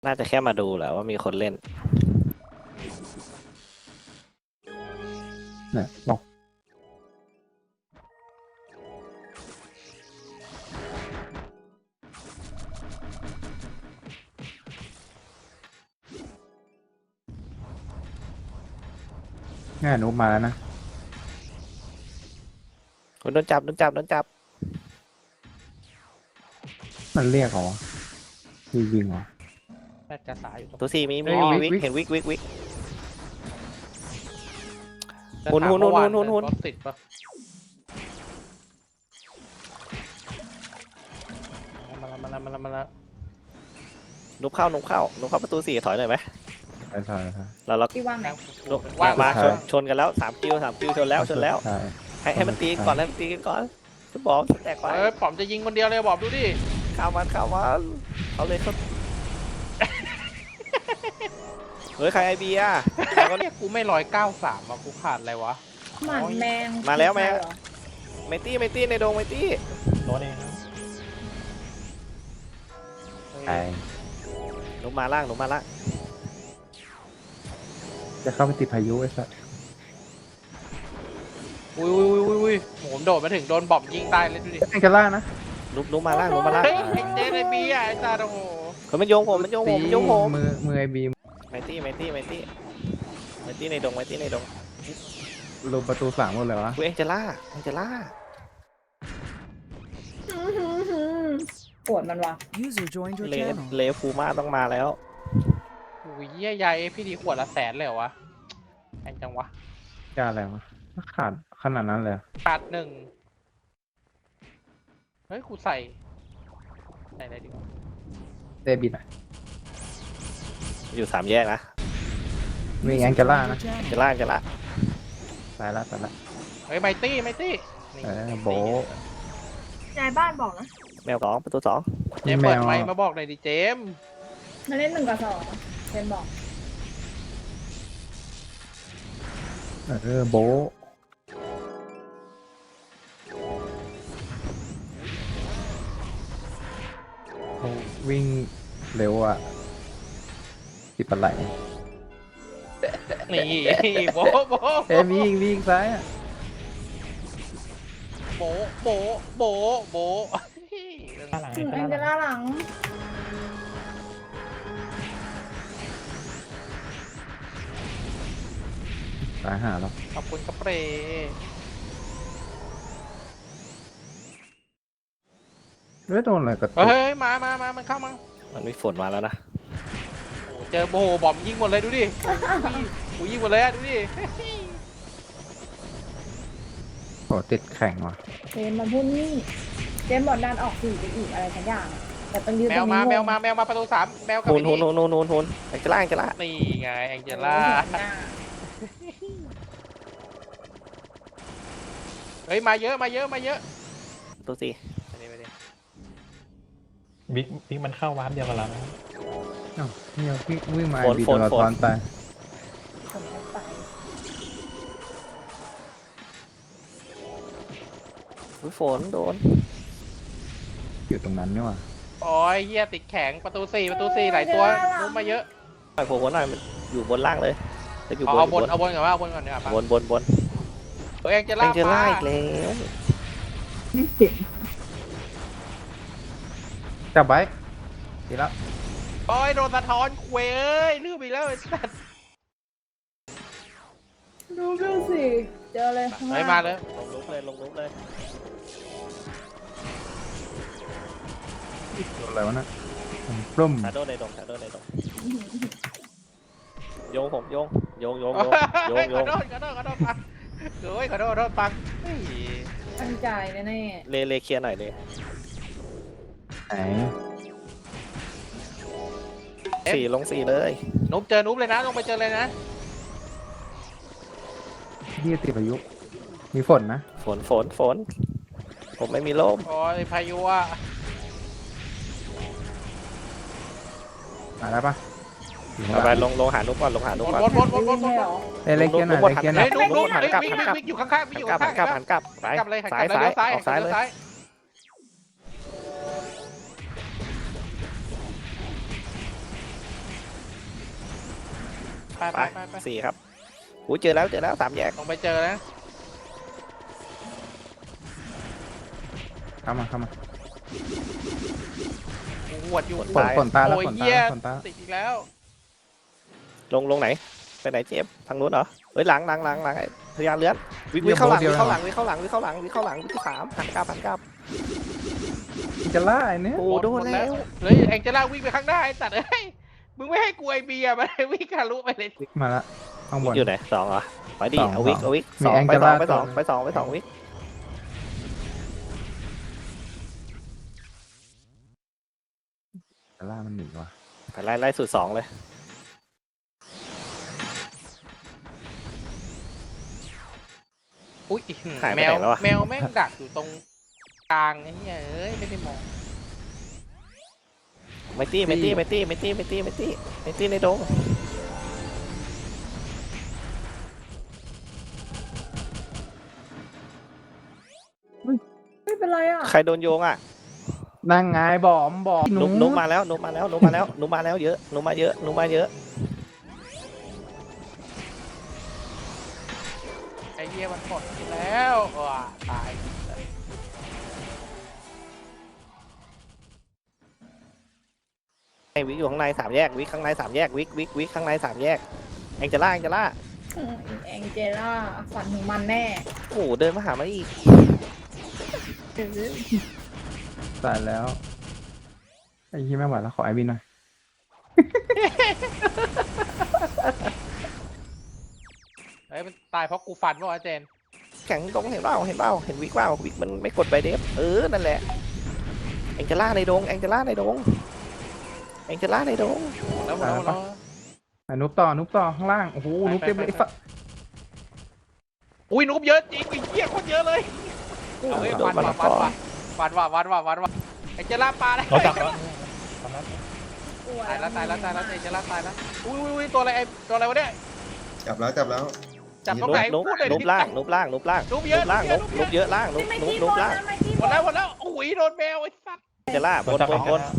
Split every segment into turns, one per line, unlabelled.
น่าจะแค่มาดูแหละว่ามีคนเล่น
เนี่ยบอกง่ายนุ๊กมาแล้วนะ
โดนจับโดนจับโดนจับ
มันเรียกเหรอยิงเหรอ
น่าจะสายอยู่ตรง
ตัวสี่มี
เฮ้ย
วิก
วิก
เห็นวิกวิกวิก
จะ
หุ่น
ถาม
หุ่น
เมื่อวา
หุ่นหุ่น
รถติดปะมาละ
นุบเข้านุบเข้านุบเข้าประตูสี่ถอยหน่อยไหม
ใช่
เรา
ที่ว่างไหน
นุบ
ว่าง
มา
ใช่
ชนกันแล้ว3 คิวชนแล้วชนแล้ว
ใช่
ให้มันตีกันก่อนให้มันตีกันก่อนฟุตบอลแตกไป
ป๋อมจะยิงคนเดียวเลยบอกดูดิ
เข้ามันเอาเลยครับเฮ้ยใครไอเบีย
ก็เนี่ยกูไม่193ว่ะกูขาดอะไรวะ
หมันแมง
มาแล้วแม่
เหรอ
ไม่ตี้ในโดงไม่ตี้
ตัวเอง
ใช่
นุบมาล่างนุบมาล่าง
จะเข้าไปติดพายุไอ้สัส
อุ้ยผมโดดมาถึงโดนบอมยิงตายเลยดูดิ
แองเจล่านะ
นุบมาล่างนุบมาล่าง
เฮ้ยไอ้เจ๊ไอ้บีไอ้ตาโอ้โห
มันโยงผมมันโยงผมมันโยงผม
มือไอบีม
ไม่ตี้ในดงไม่ตี้ในดง
ลงประตู3หมดเลยวะ
กูเองจะล่า
ปวดมันวะ
User joined your
เล
channel.
เลฟูมาต้องมาแล้ว
อุ้ยเยี่ยใหญ่พี่ดีขวดละ100,000เลยเหรอวะแพงจังวะ
จะอะไรวะขาดขนาดนั้นเลย
ขาด1เฮ้ยกูใส่อะไรดีวะ
เดบิตอ่ะ
อยู่3 แยกนะ
มี
User
แองเจล่า
joined
นะ
your channel.
จะล่า
ตายละ
เฮ้ยไมตี้นี่
โบะ
ยายบ้านบอกนะ
แมว2ประตู2
เจมส์เปิดไมค์มาบอกหน่อยดิเจมส์
มาเล่น1 กับ 2เจนบอก
โบะเขาวิ่งเร็วอ่ะติดปลาไหล
นี่โบโบ
เอ้ยวิ่งซ้ายอ่ะ
โบโบ
แองเจล่าหลัง
ตายหาแล้ว
ขอบคุณกระเปรย์
โดนอะไรกระตุก
เฮ้ยมามันเข้ามา
มันมีฝนมาแล้วนะ
โอ้เจอโบโบอมยิงหมดเลยดูดิกูยิงหมดเลยอะดูดิ
โอ้ติดแข่งว่ะ
เจนมาพูดนี่เจนบอกดันออกสื่อไปอีกอะไรสักอย่างอะแต่ต้องยืน
แม
ตร
ว
ง
มา
นี้
แมวมาประตู3แมวกับ
หุ
ไอ้
น
นี่
แองเจล่า
นี่ไงแองเจล่าเฮ้ยมาเยอะ
ประตู4
ไปดิ
บิ๊กมันเข้าวาร์ปเดียวกับเรานะ
อ้าวนี่วิ่งมาไอบีตัวละทอนตาย
ผมจะไป
ฝนโดน
อยู่ตรงนั้นนี่ว่ะ
โอ้ยเฮียติดแข็งประตู4หลายตัวลุ้มมาเยอะ
หน่อยหัวหน่อยมันอยู่บนล่างเลยจะอยู่บน
เอาบนก่อนว่าเอาบนก่อนเนี่ย
บน
เฮ้ยแองเจ
แอ
ล่าง
เจล่าอีกแล้ว
จับไว้ดีแล้ว
โอ้ยโดนสะท้อนเว้ยลืมอีกแล้ว
ดูสิเจอเลยข้าง
เฮ้ย
ล่าง
มาเลย
ลงลุกเลย
ตัวอะไรวะน่ะปลุ่ม
ชาโดในดงโยงผมโยง
ขอโทษปังเฮ้ยขอโทษปัง
ตั้งใจแน่
เลเคลียร์หน่อยเลย
ไหน
4 ลง 4เลย
นุ๊บเจอนุ๊บเลยนะลงไปเจอเลยนะ
ที่ติดพายุมีฝนนะ
ฝนผมไม่มีร่ม
โอ้ยพายุอ่ะ
มาแล้วปะอยู่ข้างห
เอาไป
ลัง
ลงหานุกก่อนลงหานุกก่อน
วน
ๆวิ่งให้เหรอ
เอ้ยเล็กเกียร์หน่อยเล็กเกียร์หน่
เฮ้
อย ย
นุ๊บนุ๊บ
หันกลับ
วิ่งอยู่ข้างๆวิ่งอยู่ข้างๆ
หันกลับไป
กลับเลย
ซ้าย
เลี้ยวซ้าย
ออกซ้ายเลย
วไป
ไป
ไปไป
สี่ครับอู้เจอแล้วสามแยก
ลงไปเจอนะ
เข้ามา
กูหวดอยู่
ฝนตายแล้ว
โอ้ย
ฝนตาย
เหี้ย
แล้วฝนตาย
ติดอีกแล้ว
ลงไหนไปไหนเจฟทางนู้นเหรอเฮ้ยหลังพยายามเลื้อนวิ่งเข้าหลังวิ่งเข้าหลังวิ่งที่สามหันกลับ
จะล่าไอ้เนี่ย
โอ้โดนแล้ว
เฮ้ยแองเจล่าวิ่งไปข้างหน้าไอ้สัตว์เอ้ยมึงไม่ให้กูไอเบียร์มาวิ่งทะลุไปเลย
มาละข้างบน
อยู่ไหนสองเหรอไปดิ
สอง
เอาวิก
มี
สอง
แอง
ไป
เจ
ส
ล่า
องไปสอง
ตัว
ไปสองวิก
จะล่ามันหนีว่ะ
ไปไล่สุดสองเลย
อุ้ย
หายไป
แม
ไห
วน
แล้วอะ
แมวแม่งดักอยู่ตรงกลางไอ้เหี้ยเอ้ยไม่ได้มอง
ไม่ตี้ในดง
ไม่เป็นไรอ่ะ
ใครโดนโยงอ่ะ
นั่งไงบอม
นุ๊กมาแล้วเยอะนุ๊กมาเยอะ
ไอ้เหี้ยมันหมดแล้วว้าตาย
ไอ้วิกอยู่ข้างในสามแยกวิกข้างในสามแยกวิกข้างในสามแยกแองเจล่า
แองเจล่าฝันถึงมันแน่
โอ้เดินมาหามาอีก
ตายแล้วไอ้ยี่ไม่ไหวแล้วขอไอวินหน่อย
เฮ้ยมันตายเพราะกูฟันวะอาเจน
แข่งตรงเห็นเปล่าเห็นวิกมันไม่กดใบเดฟนั่นแหละแองเจล่าในดง
แล้วหมดแล้ว
ไอ้นุ๊บต่อข้างล่างโอ้โหนุ๊บเต็มเลยไอ้สัส
อุ้ยนุ๊บเยอะจริงไอ้เหี้ยโคตรเยอะเลยเอาเฮ้ยฟันว่ะไอ้เจล่าปลาได้
เราจับแล้ว
ตายแล้วไอ้เจล่าตายแล้วอุ้ยตัวอะไรไอ้ตัวอะไรวะเนี่ย
จับแล้ว
จับตรงไหน
นุ๊บ
พูดเลย
นุ๊บล่าง
นุ๊บเยอะ
นุ๊บเยอะล่างนุ๊บ
ไม่
นุ๊
ที่
บบ
น
ล่าง
ไม่ที่
หม
บ
ด
น
แล้วอุ้ยโดนแมวไอ้สัตว์
เจล่าบน
จับ
ไปบน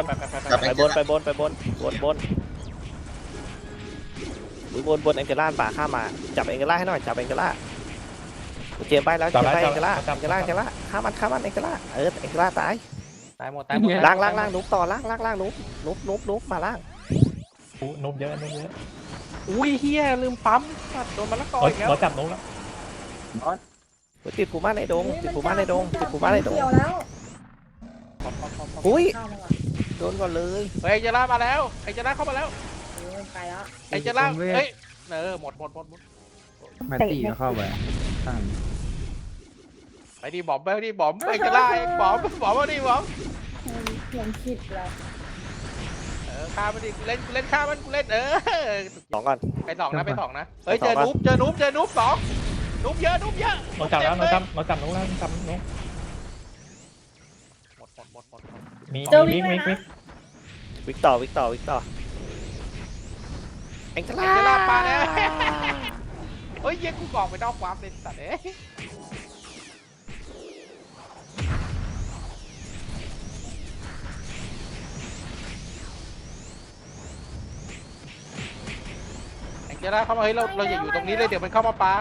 แองเจล่าป่าข้ามาจับแองเจล่าให้หน่อยจับแองเจล่าเจมไปแล้วเจมไปแองเจล่าฆ่ามันแองเจล่าแองเจล่าตาย
ตายหมด
ล่างนุ๊บต่อล่างนุ๊บมาล่าง
นุบเยอะ
อุ้ยเฮียลืมปั๊มสัตว์โดนมะละกออีกแล้ว
เราจับนุบแล้ว
ติดผูม่าในดง
เกี่ยวแล้ว
อุ้ย
เข้ามาก่อน
โดนก่อนเลย
เฮ้ยไอ้เจล่ามาแล้วไอ้เจล่าเข้ามาแล้ว
ไปแล้ว
ไอ้เจล่าเฮ้ยหมด
แมตตี้ก็เข้าไปข้าง
ไปดิบอมไอ้เจล่าเองบอมมาดิบอม
ผมคิดแล้ว
ฆ่ามันดิกูเล่นฆ่ามันกูเล่น
สองก่อน
ไปสองนะเฮ้ยเจอนุ๊บสองนุ๊บเยอะนุ๊บเยอะ
เราจับแล้วเราจับนุบแล้วจับนุบ
หมด
มี
วิก
วิกต่อแองเจ
ไอ้เจล่า
ล่า
ปาแล้วเฮ้ยยังกูกอกไปนอกวาร์ปเลยสัตว์เจล่าเข้ามาเฮ้ยเราอย่าอยู่ตรงนี้เลยเดี๋ยวมันเข้ามาปา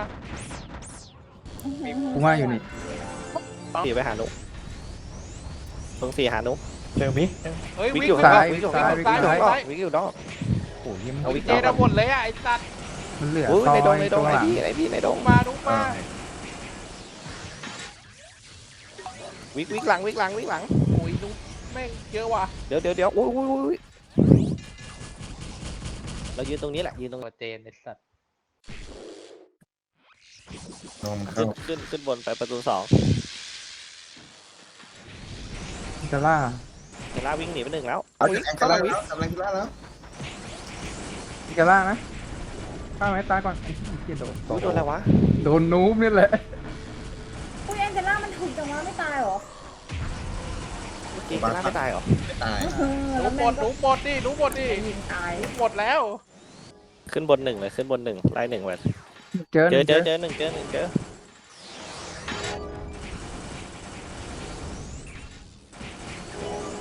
กูว่าอยู่นี่
สี่ไปหานุ๊กตรงสี่หานุ๊ก
เจอมิก
เฮ้ย
วิก
วิ่ง
อยู่
ซ้า
ซ้าย
ย
วิกอยู่
ซ้าย
วิกอยู่นอก
โอ้ย
เอาวิก
เจนหมดเลยอ่ะไอ้สัตว์
มันเหลือ
อุ้ย
ซอ
ในดง
ย
ในด
ตรง งห
ไอ้
ลัง
พี่ในดง
มา
วิกหลัง
โอ้ยนุ๊บแม่งเยอะว่ะ
เดี๋ยวอุ้ยเรายืนตรงนี้แหละยืนตรง
ตัวเจนไอ้สัตว์
นมเข้า
ขึ้นบนไปประตูสอง
จะล่า
เจล่าวิ่งหนีไปหนึ่งแล้ว
เอาจากแองเจล่าแล้วกำลังจะล่าแล้ว
จะล่านะฆ่าไหมตายก่อนไอ้เหี้ยโดน
โดนอะไรวะ
โดนนูบนี่แหละ
อุ้ยแองเจล่ามันถูกจังวะไม่ตายหรอ
เมื่อกี้เจล่าไม่ตายหรอ
ไม่ตาย
นุ๊บหมดดิ
ยิงตาย
หมดแล้ว
ขึ้นบนหนึ่งเลยขึ้นบนหนึ่งไล่หนึ่งไป
เจอ
เจอ
เจอ
หนึ่งเจอ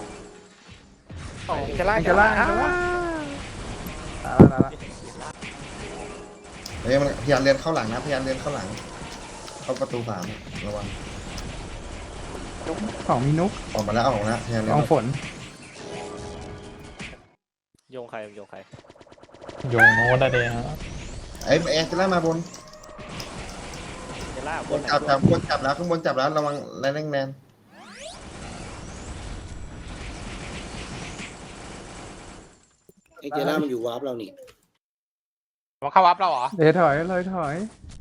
เจล่า
ตายละ
เฮ้ยมันพยายามเลียนเข้าหลังนะพยายามเลียนเข้าหลัง เข้าประตู3ระวัง
ของมีนุก
ออกมาแล้วออกมาแล้วพยายามเลี
ล
ย
อน งฝน
โยงใครโยงใคร
โยงโน้ตได้เลยฮะ
ไอ้แอนจะไล่มาบน
เจล่าบบ น
น
ไหน
จับข้างบนจับแล้วข้างบนจับแล้วระวังแรงแนน
ไอ้เจล่ามันอยู่วาร์ปเรานี่
มันเข้าวับเราเหรอ
เดี๋ยวถอยเลยถอย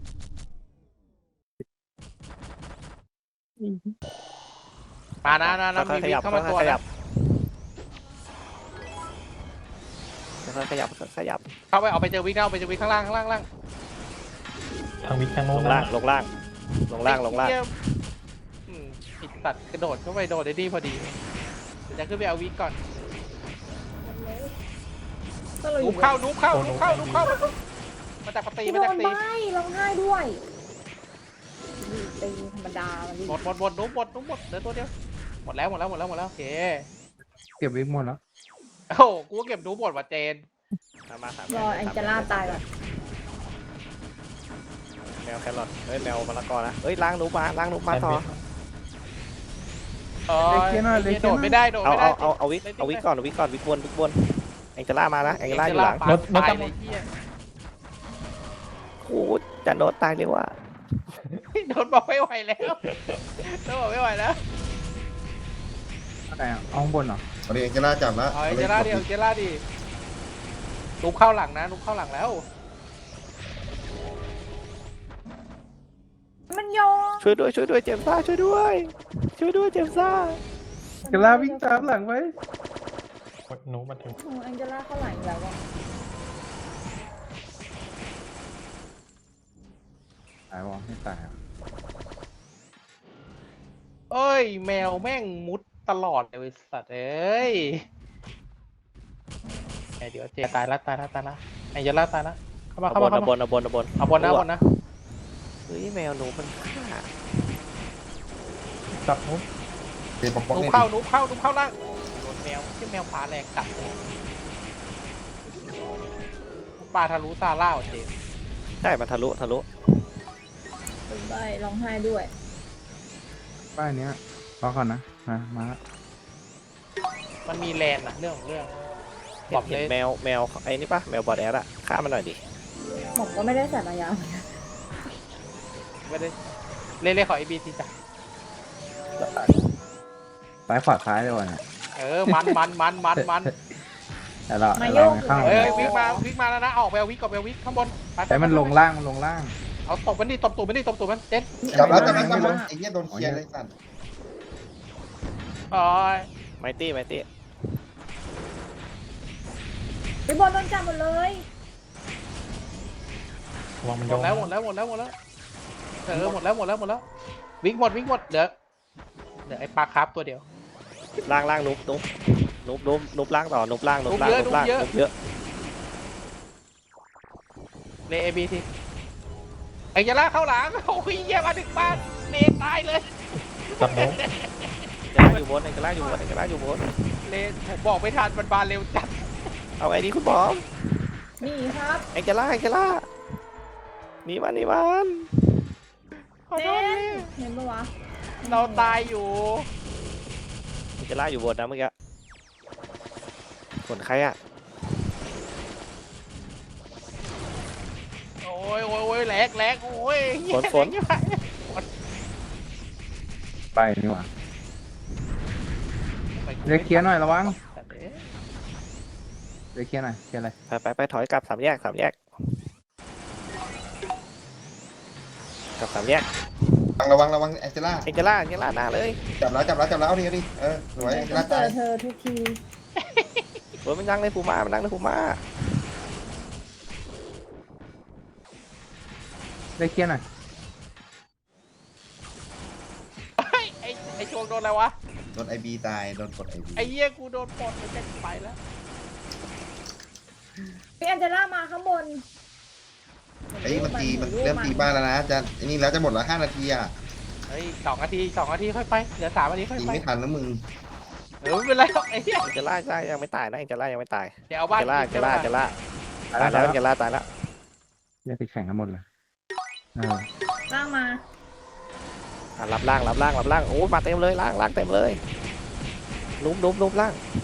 มานะนะ
ค่
มี
อยๆข
วิ่
ยั
ง
บ
เข้า
ค่
มาตัว
อยๆขยั
นะ
บค่อยๆขยับค่อยๆขยับ
เข้าไปเอาไปเจอวิ่งเอาไปเจอวิ่งข้างล่างข้างล่าง
ทางวิทย์ทาง
ล
โน้น
ง
นะ
ล่างลงล่างลงล่างลงล่าง
ไอ้เหี้ยปิดตัดกระโดดเข้าไปโดดได้ดีพอดีเดี๋ยวจะขึ้นไปเอาวิ่งก่อน
ก็เลยอ
นุ๊
ยู่
บเข้านุ๊บเข้านุ๊บเข้านุ๊บเข้ามาจากปตี
พี่
มา
โด
จาก
น
ตี
ใบร้องไห้ด้วยตีธรรมดามันดิ
หมดนุ๊บหมดเหลือตัวเดียวหมดแล้วโอเค
เก็บวิกหมดแล้ว
โอ้โหกูก็เก็บนุ๊บหมดว่ะเจน
มาสาม
รอแองเจล่าตายแบบ
แมวแครอทเฮ้ยแมวมะละกอนะเฮ้ยล้างหนูมาล้างหนูมาต่อ
โดดไม่ได้โดด
เอา
ไม่ได้
เอาวิกเอาวิกก่อนเอาวิกก่อนวิกบนแองเจล่ามานะแองเจล่าอยู่หลัง
โดดตายเลยเหี้ย
โอ้โหจะโดนตายเลยว่ะ
โดนบอกไม่ไหวแล้วโดนบอกไม่ไหวแล้ว
อะไรอ่ะเอาข้างบนเหรอ
เอาดิแอนเจล่าจับแล้ว
เอาเจล่าดิเอาเจล่าดินุ๊บเข้าหลังนะนุ๊บเข้าหลังแล้ว
มันโยง
ช่วยด้วยเจมซ่าช่วยด้วยเจมซ่า
กลาวิ่งตามหลังไว้
โน้ตมาถึง
โอ้แองเจล่าเข้าไหลอีกแล้วอ่ะ
ตายวะไม่ตายอ่ะ
เอ้ยแมวแม่งมุดตลอดเลยสัตว์เอ้ยเดี๋ยวเจตายละไอ้เจล่าตายละเข้ามา
เอาบน
เอาบนนะ
เฮ้ยแมวหนูมันฆ่า
จับโน้ต
เดี๋ยวปอก
นุ๊บ
เนี่ย
เข้าล่างโดนแมวที่แมวฟ้าแรงกัดปลาทะลุซาร่าเจ
ได้มันทะลุ
เป็นใบร้องไห้ด้วย
ป้ายเนี้ยรอก่อนนะมาละ
มันมีแลนด์นะเรื่องของเรื่อง
เห็นแมวไอ้นี่ปะแมวบอดแอดอะฆ่ามันหน่อยดิ
ผมก็ไม่ได้ใส่มายาวเหมือนกัน
ไม่ได้เล่ขอ AB ทีจ้ะ
ซ้ายขวาซ้ายเลยวะเนี่ย
มัน
แต่เราไม่เข้า
วิ่งมาแล้วนะออกไปเอาวิกข้างบน
แต่มันลงล่าง
เอาตบมันดิตบตูดมันเจ๊
จับแล้วไอ้เหี้ยโดนเคลียร์เลยสั่น
อ๋อ
ไมตี้
ไปบอลโดนจับหมดเลย
ระวังมัน
ห
โย
ม
ง
ดแล้วหมดแล้ววิ่งหมดเดี๋ยวไอ้ปลาคาร์ฟตัวเดียว
ล่างนุบล่างต่อนุบล่างเยอะ
เล AB ทีไอ้ยาล่าเข้าหลังโอ้ยเยี่ยมาถึงบ้านเลตายเลย
จับโน้ต
เองอยู่บน
เลผมบอกไม่ทันมันบานเร็วจัด
เอาไอ้นี่คุณบอม
นี่ครับ
เองจะล่านี่มัน
ขอ
เจ
โทษ
นเห็นปะวะ
เราตายอยู่
เองจะล่าอยู่บนนะเมื่อกี้ผลใครอะ
โอ้ยแหลกโอ้ย
ฝน
ไปนี่หว่าเรียกเคลียร์หน่อยระวังเรียกเคลียร์หน่อยเคลียร์อะไร
ไปถอยกลับ3 แยกกลับ3 แยก
ระวังแอนเจล่า
เองจะล่าหน้าเลย
จับแล้วเอาดิสวยแอนเจล่า
เจ
ตา
อย เธอทุกที
เฮ้ยมันนั่งในภูมา
เรียกเคลียร์หน่อย
ไอ้โชงโดนอะไรวะ
โดนไอบีตายโดนกดไอบี
ไอ้เหี้ยกูโดนปลดไปไปแล้ว
พี่แองเจล่ามาข้างบน
ไอ้มันเริ่มตีบ้านแล้วนะจะนี่แล้วจะหมดแล้ว5 นาทีอ่ะ
เฮ้ย2 นาทีค่อยไปเหลือ3 นาทีค่อย
ตี
ไป
ไม่ทันแล้วมึง
ไม่เป็นไรหรอกไอ้เหี้ย
เองจะล่ายังไม่ตายนะเองจะล่ายังไม่ตาย
เดี๋ยวเอาบ้าน
ตายแล้ว
แยกติดแข่งกันหมดเลย
ล่างมา
รับล่างโอ้มาเต็มเลยล่างเต็มเลยลุมล่าง